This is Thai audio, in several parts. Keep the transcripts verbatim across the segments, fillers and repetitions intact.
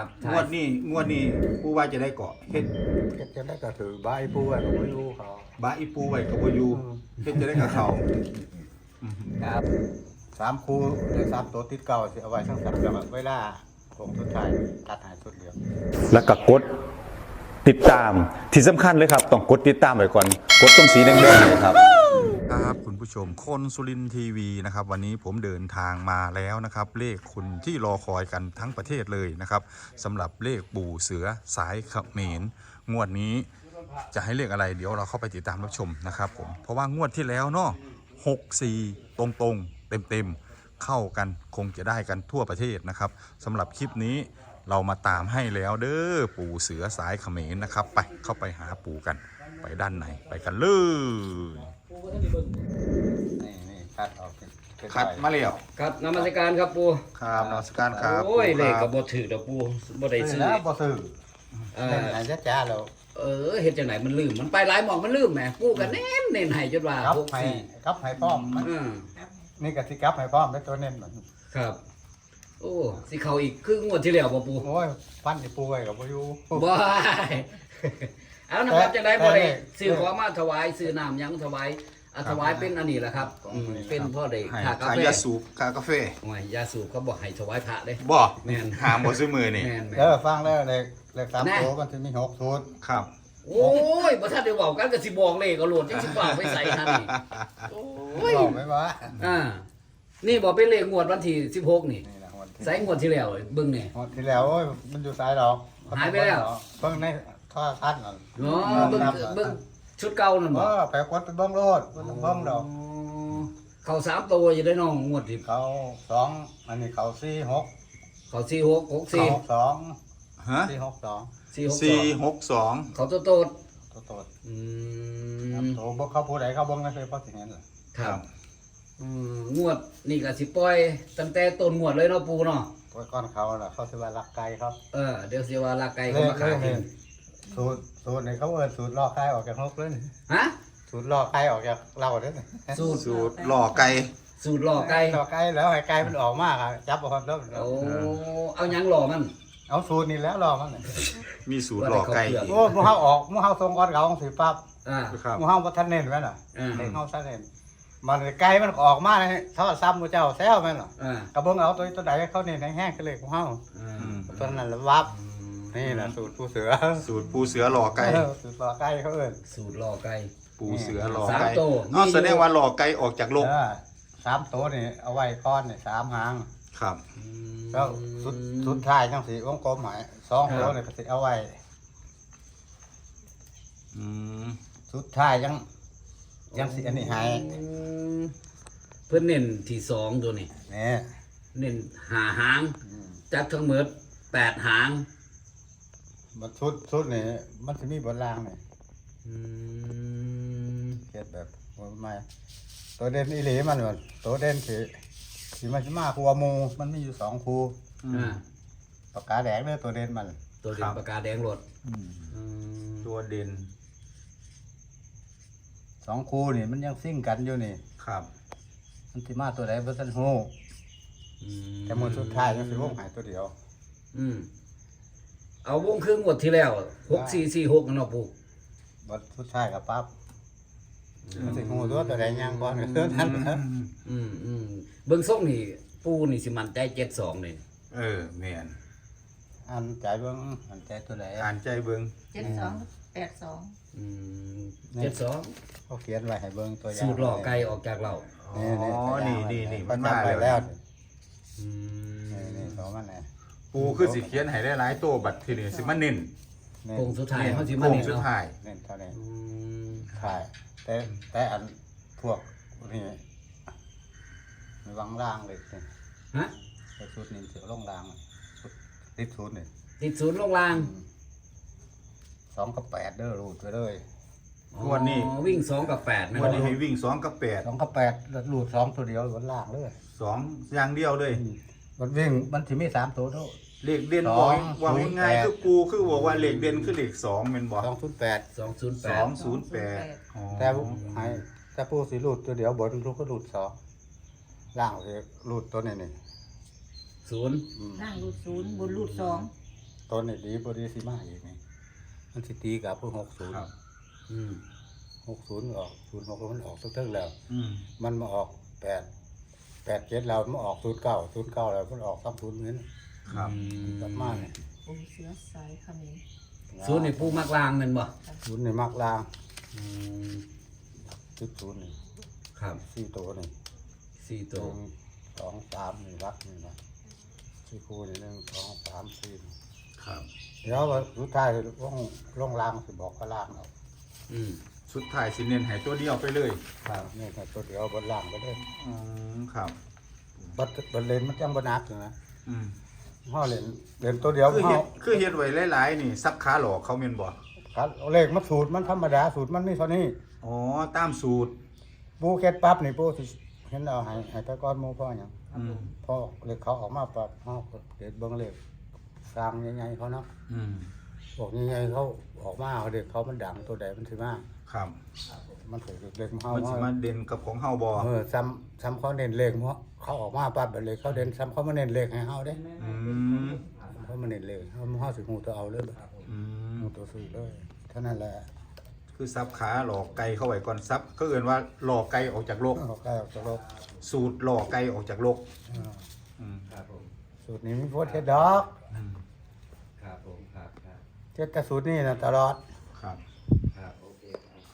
ครับงวดนี้งวดนี้ปูว่าจะได้เกาะเฮ็ดเฮ็ดจะได้ก็ถือใบปูไว้ก็บ่อยู่เขาบาอีปูไว้กับบ่อยู่เฮ็ดจะได้กับเขาครับสามคู่ได้สามตัวติดเก่าสิเอาไว้ทั้งสามจังหวะเวลาผมสุดท้ายตัดหายสุดเดียวแล้วก็กดติดตามที่สำคัญเลยครับต้องกดติดตามไว้ก่อนกดตรงสีแดงๆเนี่ยครับครับคุณผู้ชมคนสุรินทร์ทีวีนะครับวันนี้ผมเดินทางมาแล้วนะครับเลขคุณที่รอคอยกันทั้งประเทศเลยนะครับสำหรับเลขปู่เสือสายเขมรงวดนี้จะให้เลขอะไรเดี๋ยวเราเข้าไปติดตามรับชมนะครับผมเพราะว่างวดที่แล้วเนาะหกสี่ตรงตรงเต็มเต็มๆเข้ากันคงจะได้กันทั่วประเทศนะครับสำหรับคลิปนี้เรามาตามให้แล้วเด้อปู่เสือสายเขมรนะครับไปเข้าไปหาปู่กันไปด้านในไปกันเลยนี่นี่คัดออกเป็นเป็นคัดมาแล้วครับนมัสการครับปูครับนมัสการครับโอ้ยปู่เลขคกัรับบ ถือดอกปูบ่ได้ซื้ซื้ออแล้วบ่ซื้อเอเล่นอไหนจะจ้าแล้วเออเฮ็ดจังไหนมันลืมมันไปหลายหม่องมันลืมแหมปูกันเน้นเน้นให้จนว่ากับหกให้สี่กับให้พร้อมมันอืมนี่ก็สิกับให้พร้อมได้ตัวเน้นมันครับ โอ้สิเข้าอีกครึ่งงวดที่แล้วบ่ปูโอ้ยฟันสิปูไว้ก็บ่อยู่บ่เอานะครับจังได๋บ่ได้แต่ซื้อของมาถวายซื้อน้ำหยังถวายอ่ะถวายเป็นอันนี้แหละครับอืมเป็นพ่อได้ให้ค่ากาขายแฟยาสูบขากาแฟโอ้ยยาสูบเขาบอกให้ถวายพระเด้บ่แม่นหามบ่ซื้อมือนี่แม่นแม่เด้อน ฟังแล้วเลขเลขสามตัวมันสิมีหกสูตรครับโอ้ยบ่ทันได้เว้ากันก็สิบอกเลขก็โหลดจังสิว่าไปใส่ทันนี่โอ้ยบอกไว้ว่าอ่านี่บอกเป็นเลขงวดวันที่สิบหกนี่นี่นะวันที่ใส่งวดที่แล้วเบิ่งนี่งวดที่แล้วโอ้ยมันอยู่สายดอกหายไปแล้วเพิ่งในท่อคัดนั่นเนาะเบิ่งเบิ่งชุดเก่านั่นบ่บ่ไปกดไปเบิ่งโลดบ่ต้องเบิ่งดอกเข้าสามตัวอยู่ได้น้องงวดที่เขาสองอันนี้เขาสี่หกเข้าสี่หกหกเขาสี่หกสองฮะสี่หกสองสี่หกสี่หกสองเขาโตโตดตัวโตดอืครับมโตบ่เขาผู้ใดเขาเบิ่งนั่นคือเพราะสิเห็นล่ะครับอืมงวดนี่ก็สิปล่อยตั้งแต่ต้นงวดเลยเนาะปูเนาะปล่อยก้อนเขาล่ะเขาสิว่ารักไก่ครับเออเดี๋ยวสิว่าลากไก่เขามาขายกินสูตรสูตรนี่เขาเอิ้นสูตรลอกไก่ออกจากนกเลยนี่ฮะสูตรลอกไก่ออกจากเราเด้อนี่สูตรสูตรหล่อไก่สูตรหล่อไก่ลอกไก่แล้วให้ไก่มันออกมาครับจับเอาครับแล้วโอ้เอาหยังหล่อมันเอาสูตรนี่แล้วลอกมันน่ะมีสูตรหล่อไก่อีกโอ้หมู่เฮาออกหมู่เฮาส่งก้อนเขาของสิปั๊บอ่าครับหมู่เฮาบ่ทันเน้นแม่นน่ะอ่าเด็กเฮาทันเน้นมันไก่มันออกมาให้เท่าซ้ำหมู่เจ้าแซวแม่นน่ะอ่าก็เบิ่งเอาตัวตัวใดเขาเน้นแห้งๆก็เลยของเฮาอ่าอืมตัวนั้นละวับนี่แหละสูตรผู้เสือสูตรปูเสือหล่อไก่เออสูตรลอกไก่เขาเอิ้นสูตรหล่อไก่ปูเสือหล่อสามไก่ตัวอ๋อมีอยู่แสดงว่าหล่อไก่ออกจากโลกเออสามตัวนี่เอาไว้ก้อนนี่สามหางครับแล้วสุดสุดท้ายจังสีวงกลมหมายสองตัวนี่ก็สิเอาไว้อืมสุดท้ายยังยังสิอันนี้ให้อืมเพื่อนเน้นที่สองตัวนี้นี่เน้นหาหางอืมจัดทั้งหมดแปดหางมันสุดสุดนี่มันสิมีบนล่างนี่อืมเฮ็ดแบบว่าไม่ตัวเด่นอีหลีมันว่าตัวเด่นสิสิมันสิมาคู่หมู่มันมีอยู่สองคู่อ่าปากกาแดงเด้อตัวเด่นมันตัวเด่นปากกาแดงรถอืมตัวเด่นสองคู่นี่มันยังซิ่งกันอยู่นี่ครับมันสิมาตัวใดบ่ทันฮู้อืมแต่มื้อสุดท้ายยังสิวงหายตัวเดียวอืมเอาวงครึ่งงวดที่แล้วหกสี่สี่หกเนาะปูบัดสุดท้ายก็ปั๊บมันสิฮู้ตัวตัวใดยังก่อนก็คือนั้นนะอืมอืมเบิ่งส่งนี่ปูนี่สิมันใจเจ็ดสองเลยเออแม่นอันใจเบิ่งอันใจตัวใดอ่านใจเบิ่งเจ็ดสองแปดสองอืมเจ็ดสองเขาเขียนไว้ให้เบิ่งตัวอย่างสูตรหล่อไก่ออกจากเราอ๋อนี่นี่นี่มัมัน นมามาไปแล้วแล้วอืนี่มนี่ของมันน่ะปูคือสิเขียนให้ได้หลายตัวบัดทีนี้สิมาเน้นนี่โค้งสุดท้ายเขาสิมาโค้งเน้นสุดเนาะท้ายนี่เท่านี้อืมถ่ายแต่แต่อันพวกนี่มีวางล่างเลยนี่ฮะแต่ชุดนี้เสียลงล่างชุดติดชุดนี่ติดศูนย์ลงล่างสองกับแปดเด้อรูดไปเลยงวดนี้อ๋อวิ่งสองกับแปดนะวันนี้ให้วิ่งสองกับแปดสองกับแปดแล้วรูดสองตัวเดียวบนล่างเลยสองอย่างเดียวเลยมันวิ่งมันถึมีสามตัวด้วยเลขเด่นสบออง กว่าง่ายศูนย์แปดๆคือปูคือบอกว่าเลขเด่นคือเลขสองแม่นบ่สองชุดแปดสองศูนย์แปสดองศูนย์แปดอ๋อแต่ให้แต่ผู้สีรูดตัวเดียวบนลูกก็รูดสองล่างเลยรูดตัวนี้นี่ศูนย์อืมนั่งรูดศูนย์บนรูดสองอตัวนี้ดีบ่ดีสิมาอีกนี่มันสิตีกับผู้หกศูนย์ครับอืมหกศูนย์ออกศูนย์หกมันออกทุกเทิงแล้วอืมมันมาออกแปดแปดเจ็ดแล้วมันออกศูนย์เก้าศูนย์เก้าแล้วมันออกสามศูนย์นี้ครับกลับมาเนี่ยปูเสือสายเขมิ้นศูนย์นี่ปูมักลางแม่นบ่ศูนย์นี่มักลางจุดศูนย์นี่ครับสี่ตัวนี่สี่หตัวนึ่งสองสามนี่รักนี่นะสี่คู่นี่หนึ่งสองสามสี่ครับเดี๋ยวว่าสุดท้ายลงลงล่างสิบอกก็ล่างเอาอืมสุดท้ายสิเน้นให้ตัวเดียวไปเลยครับนี่ก็ตัวเดียวบนล่างก็ได้อืมครับบัดบัดเลนมันจังบนักอยู่นะอืมห่อเลนเลนตัวเดียวคือห่เฮ็อดคือเฮ็ดไว้หลายๆนี่ซักขาหลอกเขาแม่นบ่ครับเลขมันสูตรมันธรรมดาสูตรมันนี่เท่านี้อ๋อตามสูตรปูเก็ดปั๊บนี่ปูสิเห็นเอาให้ให้ตะก้อนหมูพ่อหยังอืมพอเลขเขาออกมาปั๊บเฮาก็เด็ดเบิ่งเลขสร้างใหญ่ๆเขาเนาะอืมบอกใหญ่ๆเขาออกมาเขาเด็กเขามันดังตัวใดมันสิมาครับมันถือเลขของเฮามันสิมาเฮาเด่นกับของเฮาบ่เออซ้ำซ้ำเขาเน้นเลขเพราะเขาออกมาปั๊บเลขเขาเด่นซ้ำเขามาเน้นเลขให้เฮาเด้อืมเขามาเน้นเลขเฮาเฮาสิฮู้ตัวเอาเลยอืมฮู้ตัวซื้อเลยเท่านั้นแหละคือซับขาหลอกไก่เข้าไว้ก่อนซับก็เอิ้นว่าหลอกไก่ออกจากโลกเขาใกล้ออกจากโลกสูตรหลอกไก่ออกจากโลกเอออืมครับผมสูตรนี้มีโพดเฮ็ดดอกอืมครับผมครับครับเฮ็ดแต่สูตรนี้น่ะตลอดครับครับโอเค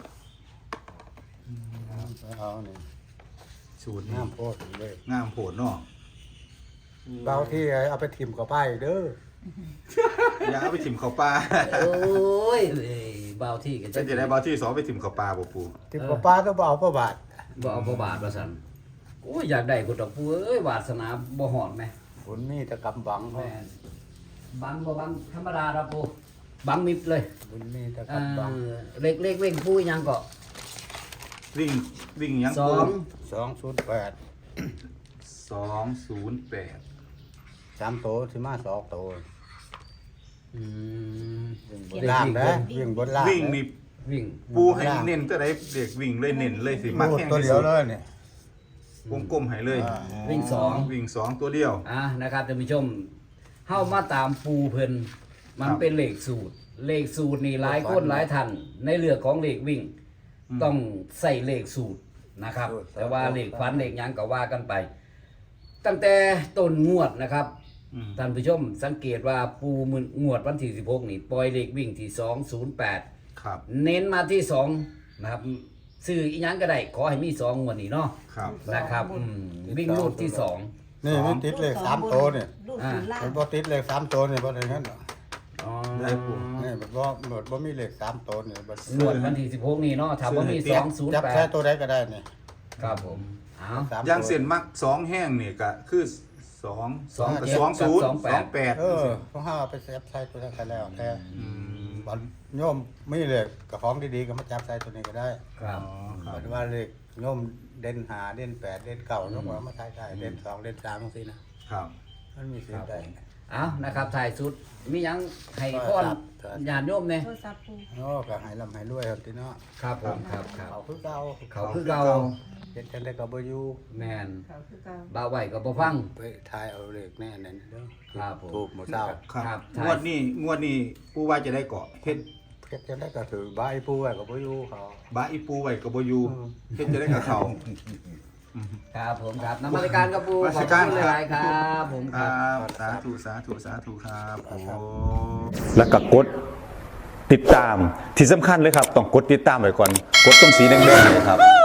ครับเอานี่สูตรนี้น้ำโพดเลยงามโผดเนาะเบาที่เอาไปถิ่มกับป้ายเด้ออย่าเอาไปถิ่มเขาปลาโอ้ยเอ้ยเบาที่กันจะจะได้บอที่สองไปถิ่มเขาปลาบ่ปูถิ่มกับป้าต้องบ่เอาประบาทบ่เอาบ่บาทว่าซั่นโอ้ยอยากได้กูดอกปูเอ้ยวาสนาบ่ฮอดแม่ผลมีแต่กำบังเขาแม่นบังบ่บังธรรมดาครับปูบังมิดเลยผลมีแต่เอ่กำบังอเล็กเล็กเว้งปูยังก็วิ่งวิ่งหยังสอปูงสองศูนย์แปดสองศูนย์แปดสามโตสิมาสองโตอืมวิ่งบนล่างนะวิ่งบนล่างวิ่งนี่วิ่งปูให้เน้นตัวใดเด็กวิ่งเลยเน้นเลยสิมักพูดแห้งตัวที่เดียวสุดเลยเนี่ยวงกลมให้เลยอ่าวิ่งสองวิ่งสองตัวเดียวอ่ะนะครับท่านผู้ชมเฮามาตามปูเพิ่นมันครับเป็นเลขสูตร เลขสูตรนี่หลายคนหลายท่านในเรื่องของเลขวิ่งอืมต้องใส่เลขสูตรนะครับสูตรแต่ว่าเลขฟันเลขหยังก็ว่ากันไป ตั้งแต่ต้นงวดนะครับอืมท่านผู้ชมสังเกตว่าปูมืองวดวันที่สิบหกนี่ปล่อยเลขวิ่งที่สองศูนย์แปดครับเน้นมาที่สองนะครับซื้ออีหยังก็ได้ขอให้มีสองงวดนี้เนาะครับนะครับอืมวิ่งรูดที่สองนี่ไม่ติดเลขสามโตเนี่ยรูดศูนย์ล่างมันบ่ติดเลขสามโตเนี่ยบ่ได้เห็นหรอกอ๋อได้ปูนี่มันบ่หมดบ่มีเลขสามโตเนี่ยบ่งวดวันที่สิบหกนี่เนาะถามว่ามีสองศูนย์จับแปแค่ดตัวใดก็ได้นี่ครับผมเอาสามย่างตัวเส้นมักสองแห้งนี่ก็คือสองสองกับเจ็ดสองศูนย์กับสองแปดสองแปดเออเพราะห้าเอาไปเซฟใส่ตัวนั้นก็แล้วแต่อืมบัดโยมมีเลขกับของดีๆก็มาจับใส่ตัวนี้ก็ได้ครับอ๋อครับบัดว่าเลขโยมเด่นห้าเด่นแปดเด่นเก้าโยมก็เอามาใส่ได้เด่นสองเด่นสามจังซี่นะครับ มันมีสิทธิ์ได้เอานะครับถ่ายสุดมีหยังให้ก้อนครับญาติโยมเนี่ยโทรศัพท์ปูโอ้ก็ให้ร่ำให้รวยครับพี่เนาะครับผมครับครับเขาคือเก่าเขาคือเก่าเฮ็ดจังได๋ก็บ่อยู่แมนเขาคือเก่าบ่าวไหวก็บ่ฟังไปทายเอาเลขแน่นั่นเด้อครับผมถูกหมดเจ้าครับครับงวดนี้งวดนี้ปูว่าจะได้เกาะเฮ็ดเฮ็ดจังได๋ก็ถือใบผู้ไว้ก็บ่อยู่เขาบาอีปูไว้กับบ่อยู่เฮ็ดจะได้กับเขาครับผมครับนมัสการครับปูนมัขอบสการคุณหลายๆครับผมคครัรับบสาธุสาธุสาธุครับโอ้แล้วก็กดติดตามที่สำคัญเลยครับ ต้องกดติดตามไว้ก่อน กดตรงสีแดงๆเนี่ยครับ